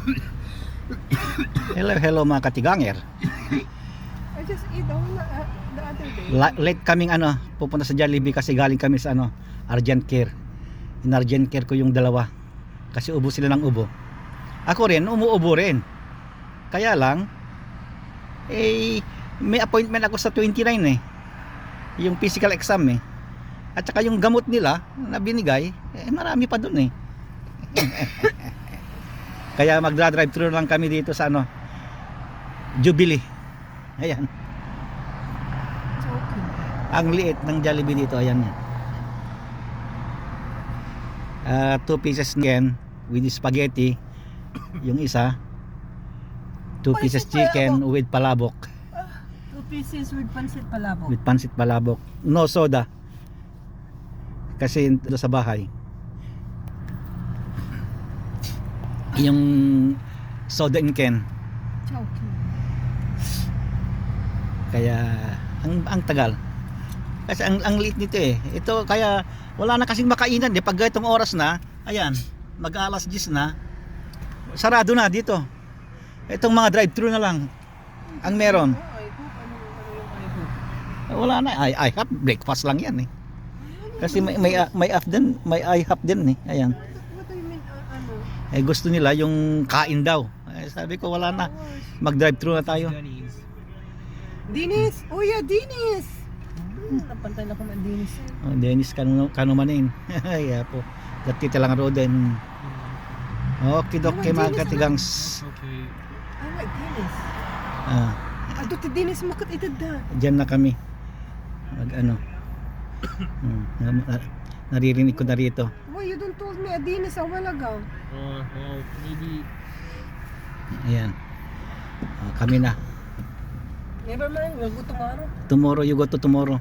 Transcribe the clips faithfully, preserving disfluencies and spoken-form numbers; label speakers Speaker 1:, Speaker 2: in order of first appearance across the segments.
Speaker 1: Hello, hello mga katiganger.
Speaker 2: I just ate all the, uh, the other day.
Speaker 1: La- late kaming ano, pupunta sa Jollibee kasi galing kami sa ano, Urgent Care. In Urgent Care ko yung dalawa. Kasi ubo sila ng ubo. Ako rin, umuubo rin. Kaya lang, eh, may appointment ako sa twenty-nine eh. Yung physical exam eh. At saka yung gamot nila na binigay, eh, marami pa dun eh. Kaya magdra-drive through lang kami dito sa ano, Jubilee. Ayan.
Speaker 2: Joking.
Speaker 1: Ang liit ng Jollibee dito, ayan. Uh, two pieces chicken with spaghetti. Yung isa, two pieces chicken with palabok.
Speaker 2: Two pieces with pancit palabok.
Speaker 1: With pancit palabok. No soda. Kasi ito sa bahay. Yung soda in can.
Speaker 2: Joking.
Speaker 1: Kaya ang ang tagal. Kasi ang ang liit nito eh. Ito kaya wala na kasing makainan eh pag itong oras na. Ayan, mag-alas diyes na. Sarado na dito. Itong mga drive-thru na lang ang meron.
Speaker 2: I hope, ano, ano yung I hope?
Speaker 1: Wala na. I, I have breakfast lang yan eh. Kasi may may may up din, may I have din eh. Ayan.
Speaker 2: What do you mean, uh, ano?
Speaker 1: Eh gusto nila yung kain daw. Eh, sabi ko wala na. Mag-drive-thru na tayo.
Speaker 2: Dinis! Oh yeah, Dinis! Hmm, napantay na ko man Dinis.
Speaker 1: Oh, Dennis kanu kanumanin. Ay po. Dati talang roden. Okay, okay mga katigangs.
Speaker 3: Okay.
Speaker 2: I like Dinis.
Speaker 1: Ah,
Speaker 2: Ato ti Dinis makot itad da.
Speaker 1: diyan na kami. Mag ano. Hmm, na- na- naririnig ko na rito.
Speaker 2: Why you don't told me a Dinis a while ago?
Speaker 3: Uh, well, maybe.
Speaker 1: Ayan. Ah, kami na.
Speaker 2: Never mind, we'll go tomorrow.
Speaker 1: Tomorrow you go to tomorrow.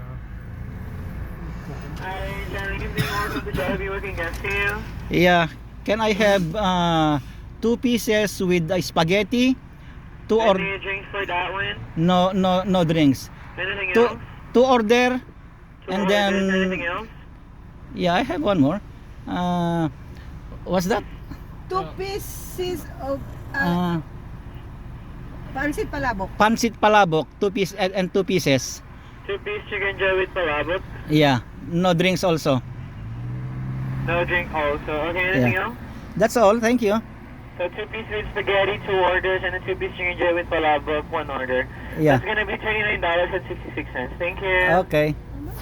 Speaker 4: Hi, Jerry. Good morning. Welcome to Jollibee. What can I get you?
Speaker 1: Yeah. Can I have uh, two pieces with uh, spaghetti? Two or
Speaker 4: Any drinks for that one?
Speaker 1: no no no drinks.
Speaker 4: Anything
Speaker 1: Two
Speaker 4: else?
Speaker 1: two order
Speaker 4: Two
Speaker 1: and
Speaker 4: orders,
Speaker 1: then
Speaker 4: anything else?
Speaker 1: yeah, I have one more. Uh, what's that?
Speaker 2: Two pieces of uh,
Speaker 1: Uh,
Speaker 2: pancit palabok.
Speaker 1: pancit palabok, two piece and, and two pieces.
Speaker 4: Two piece chicken joy with palabok.
Speaker 1: Yeah, no drinks also.
Speaker 4: No drink also. Okay, anything
Speaker 1: Yeah.
Speaker 4: else?
Speaker 1: That's all. Thank you.
Speaker 4: So two piece with spaghetti, two orders, and a two piece chicken joy with palabok, one order.
Speaker 1: Yeah.
Speaker 4: That's gonna be twenty-nine dollars and sixty-six cents. Thank you.
Speaker 1: Okay.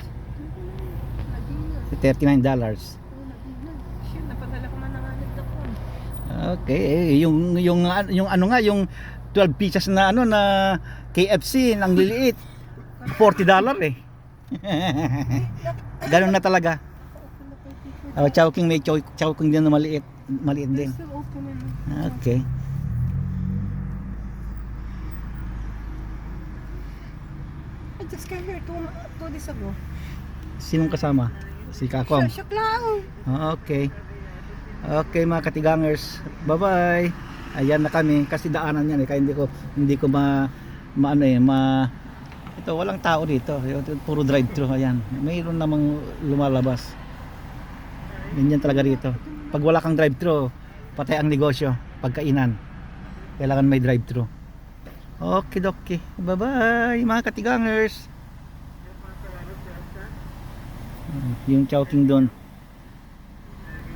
Speaker 1: thirty-nine dollars.
Speaker 2: Shit, napadala ko man ng alit na po.
Speaker 1: Okay, eh, yung yung yung ano nga yung twelve pieces na ano na K F C nang liliit. forty dollars eh. Ganun na talaga. Oh, chowking may chow, chowking din na maliit, maliit din.
Speaker 2: Still open and
Speaker 1: Okay.
Speaker 2: I just came here two, two days ago.
Speaker 1: Sinong kasama? Si Kakong.
Speaker 2: Siya, siya lang.
Speaker 1: Ah, okay. Okay mga katigangers. Bye-bye. Ayan na kami kasi daanan yan eh kaya hindi ko hindi ko ma maano eh ma ito walang tao dito. Puro drive-thru ayan. Mayroon namang lumalabas. Ganyan talaga rito. Pag wala kang drive-thru, patay ang negosyo, pagkainan. Kailangan may drive-thru. Okay, dokie. Bye-bye mga katigangers. Yung chowking doon.